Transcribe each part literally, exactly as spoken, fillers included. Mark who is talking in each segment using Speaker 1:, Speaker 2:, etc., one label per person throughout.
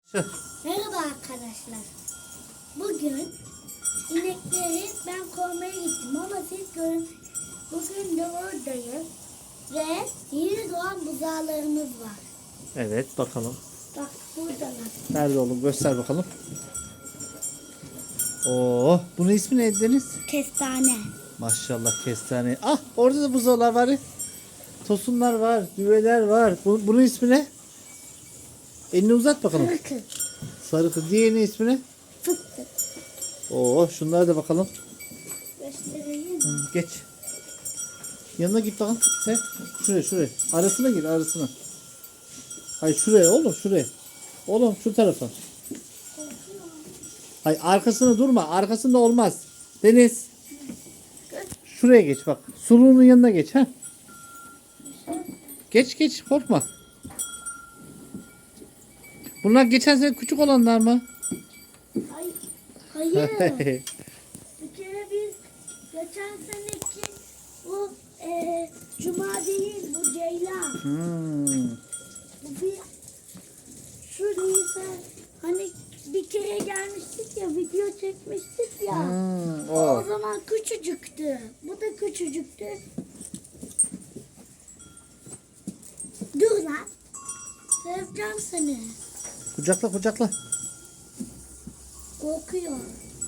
Speaker 1: Merhaba arkadaşlar. Bugün inekleri ben kovmaya gittim ama siz görün. Bugün de oradayım ve yeni doğan buzağlarımız var.
Speaker 2: Evet, bakalım.
Speaker 1: Bak buradalar.
Speaker 2: Nerede oğlum? Göster bakalım. Oo, bunun ismi ne Deniz?
Speaker 1: Kestane.
Speaker 2: Maşallah kestane. Ah, orada da buzağlar var. Tosunlar var, düveler var. Bu, bunun ismi ne? Elini uzat bakalım.
Speaker 1: Fırkı.
Speaker 2: Sarı kız. Diğerinin ismi ne?
Speaker 1: Fıttık.
Speaker 2: Oo, şunlara da bakalım.
Speaker 1: Göstereyim.
Speaker 2: Hı, geç. Yanına git bakalım. Sen şuraya şuraya. Arasına gir arasına. Hayır şuraya oğlum şuraya. Oğlum şu tarafa. Hayır arkasına durma. Arkasında olmaz. Deniz. Şuraya geç bak. Suluğunun yanına geç ha. Geç geç korkma. Bunlar geçen sene küçük olanlar mı?
Speaker 1: Hayır. Hayır. Bir kere biz geçen seneki bu e, cuma değil bu ceylan.
Speaker 2: Hmm.
Speaker 1: Bu bir şu Nisan hani bir kere gelmiştik ya video çekmiştik ya.
Speaker 2: Hmm,
Speaker 1: O.
Speaker 2: o.
Speaker 1: o zaman küçücüktü. Bu da küçücüktü. Dur lan. Seveceğim seni.
Speaker 2: Kucakla kucakla.
Speaker 1: Korkuyor.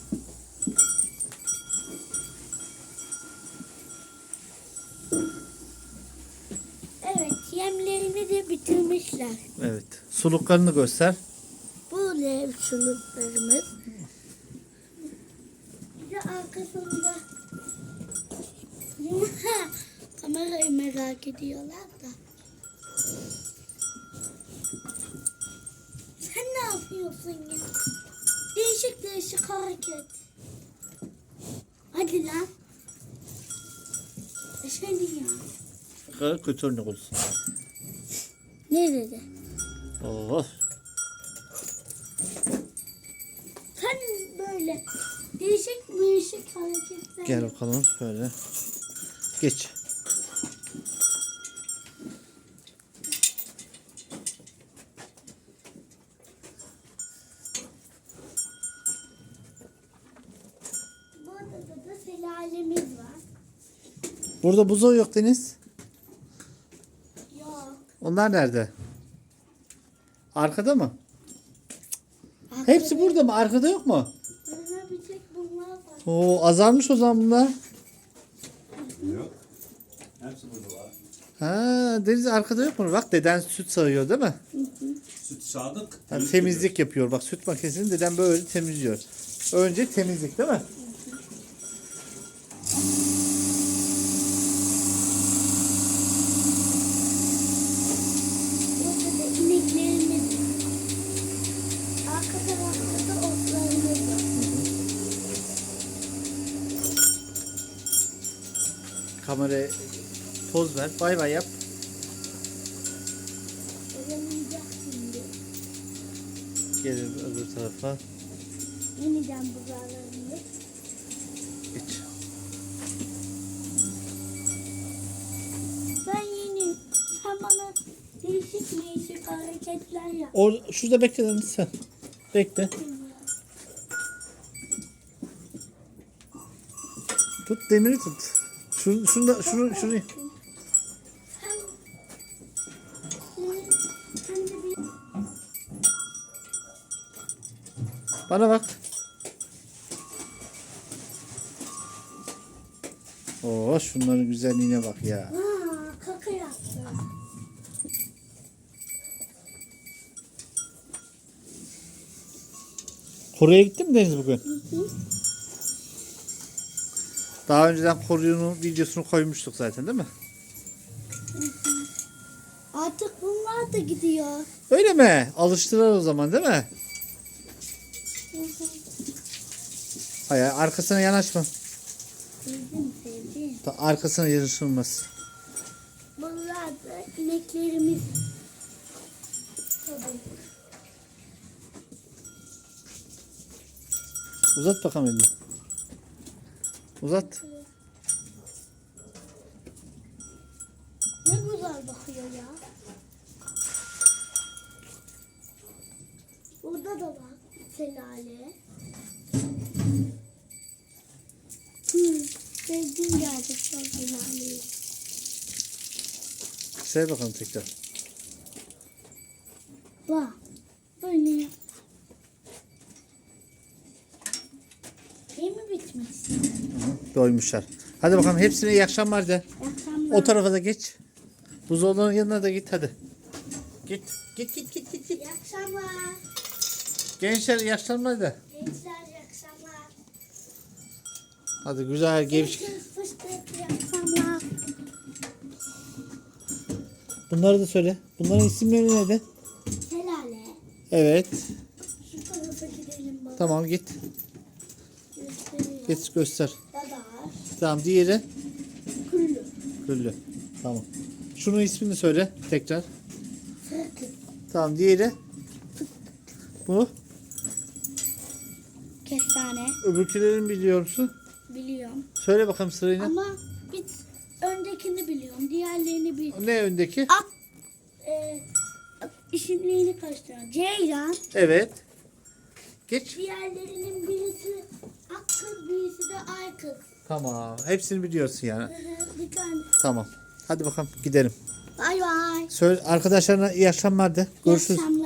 Speaker 1: Evet, yemlerini de bitirmişler.
Speaker 2: Evet. Suluklarını göster.
Speaker 1: Bu lev çuluklarımız. Bir de arkasında kamerayı merak ediyorlar da. Sen ne yapıyorsun ya? Değişik değişik hareket. Hadi lan. Eşeğin ya.
Speaker 2: Kötü örnek olsun.
Speaker 1: Ne dedi?
Speaker 2: Oh.
Speaker 1: Sen böyle değişik değişik hareketler.
Speaker 2: Gel bakalım şöyle. Geç.
Speaker 1: Burada da, da selalemiz var.
Speaker 2: Burada buzağı yok Deniz.
Speaker 1: Yok.
Speaker 2: Onlar nerede? Arkada mı?
Speaker 1: Arkada-
Speaker 2: Hepsi burada mı? Arkada yok mu?
Speaker 1: Burada bir tek bunlar var.
Speaker 2: Oo azalmış o zaman bunlar.
Speaker 3: Yok. Hepsi burada var.
Speaker 2: Ha, Deniz arkada yok mu? Bak deden süt sağıyor değil mi?
Speaker 3: Süt sağdık.
Speaker 2: Yani temizlik yapıyor. Bak süt makinesini deden böyle temizliyor. Önce temizlik değil mi?
Speaker 1: Burada da ineklerimiz. Arka tarafta da otlarımız var.
Speaker 2: Kameraya poz ver. Bay bay yap.
Speaker 1: Oyalayacak şimdi.
Speaker 2: Gelin öbür tarafa.
Speaker 1: Yeniden buzağlarımız.
Speaker 2: Geç.
Speaker 1: Ben yeni. Sen bana değişik değişik hareketler yap.
Speaker 2: Or şurada bekle Deniz sen. Bekle. Tut demiri tut. Şunu, şunu da şunu şunu.
Speaker 1: Sen, sen de bir
Speaker 2: Bana bak. Oo şunların güzelliğine bak ya.
Speaker 1: Aa, kaka yaptı.
Speaker 2: Koruya gittin mi Deniz bugün?
Speaker 1: Hı hı.
Speaker 2: Daha önceden koruyunun videosunu koymuştuk zaten değil mi?
Speaker 1: Artık bunlar da gidiyor.
Speaker 2: Öyle mi? Alıştılar o zaman değil mi?
Speaker 1: Hı hı.
Speaker 2: Hayır arkasına yanaşma.
Speaker 1: Sevdim sevdim.
Speaker 2: Ta- Arkasına yanaşılmaz.
Speaker 1: Bunlar da ineklerimiz. Tabii.
Speaker 2: Uzat bakalım elini. Uzat.
Speaker 1: Ne güzel bakıyor ya. Burada Burada da var şelale. Hmm, sevdiğim gerçekten şelaleyi.
Speaker 2: Say bakalım tekrar.
Speaker 1: Bak. Böyle. Şey mi bitmiş?
Speaker 2: Doymuşlar. Hadi bakalım hepsine iyi akşamlar de.
Speaker 1: Akşamlar.
Speaker 2: O tarafa da geç. Buzdolabının yanına da git hadi. Git. Git git git git. git.
Speaker 1: İyi akşamlar.
Speaker 2: Gençler iyi akşamlar de.
Speaker 1: Gençler iyi akşamlar.
Speaker 2: Hadi güzel gevşek.
Speaker 1: Görüşürüz fıstık iyi akşamlar.
Speaker 2: Bunları da söyle. Bunların isimleri neydi?
Speaker 1: Şelale.
Speaker 2: Evet.
Speaker 1: Şu tarafa gidelim baba.
Speaker 2: Tamam git.
Speaker 1: Gösteriyor.
Speaker 2: Git göster.
Speaker 1: Dadar.
Speaker 2: Tamam diğeri.
Speaker 1: Küllü.
Speaker 2: Güllü. Tamam. Şunun ismini söyle tekrar.
Speaker 1: Fırkı.
Speaker 2: Tamam diğeri. Bu.
Speaker 1: Kestane.
Speaker 2: Öbürkülerini biliyor musun?
Speaker 1: Biliyorum.
Speaker 2: Söyle bakalım sırayla.
Speaker 1: Ama bir öndekini biliyorum. Diğerlerini bil.
Speaker 2: Ne öndeki?
Speaker 1: At. E, isimlerini karıştırıyorum. Ceylan.
Speaker 2: Evet. Geç.
Speaker 1: Diğerlerinin birisi ak kız, birisi de ay kız.
Speaker 2: Tamam. Hepsini biliyorsun yani.
Speaker 1: Hı hı, bir tane.
Speaker 2: Tamam. Hadi bakalım gidelim.
Speaker 1: Bay bay.
Speaker 2: Söyle arkadaşlarına iyi akşamlar de.
Speaker 1: İyi
Speaker 2: Görüşürüz.
Speaker 1: akşamlar.